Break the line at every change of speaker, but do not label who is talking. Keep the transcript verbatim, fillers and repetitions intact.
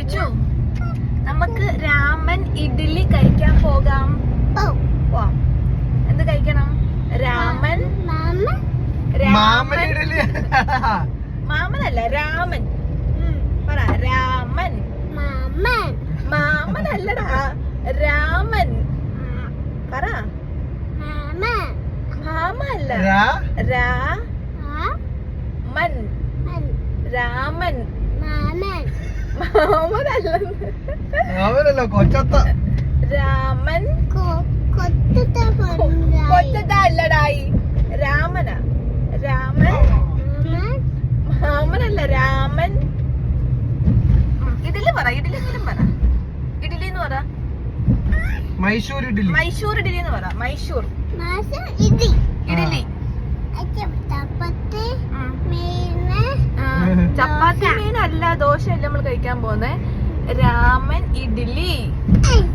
ചുച്ചു നമുക്ക് രാമൻ ഇഡ്ഡലി കഴിക്കാൻ പോകാം. പോവാം. എന്ത് കഴിക്കണം? രാമൻ രാമൻ മാമനല്ല രാമൻ. പറ രാമൻ. മാമൻ അല്ലടാ രാമൻ. പറ മാമ അല്ല രാമൻ. രാമൻ മാമനല്ല
കൊച്ചത്ത
രാമൻ. കൊച്ചത്തല്ലടായി രാമനാ. രാമൻ മാമനല്ല രാമൻ. ഇഡലി പറ. ഇഡലി എങ്കിലും പറ. ഇഡലി എന്ന് പറ.
മൈസൂർ ഇഡലി.
മൈസൂർ ഇഡലി എന്ന് പറ. മൈസൂർ ഇഡലി. ചപ്പാത്തി മീനല്ല, ദോശ അല്ല നമ്മൾ കഴിക്കാൻ പോകുന്നേ. രാമൻ ഇഡലി.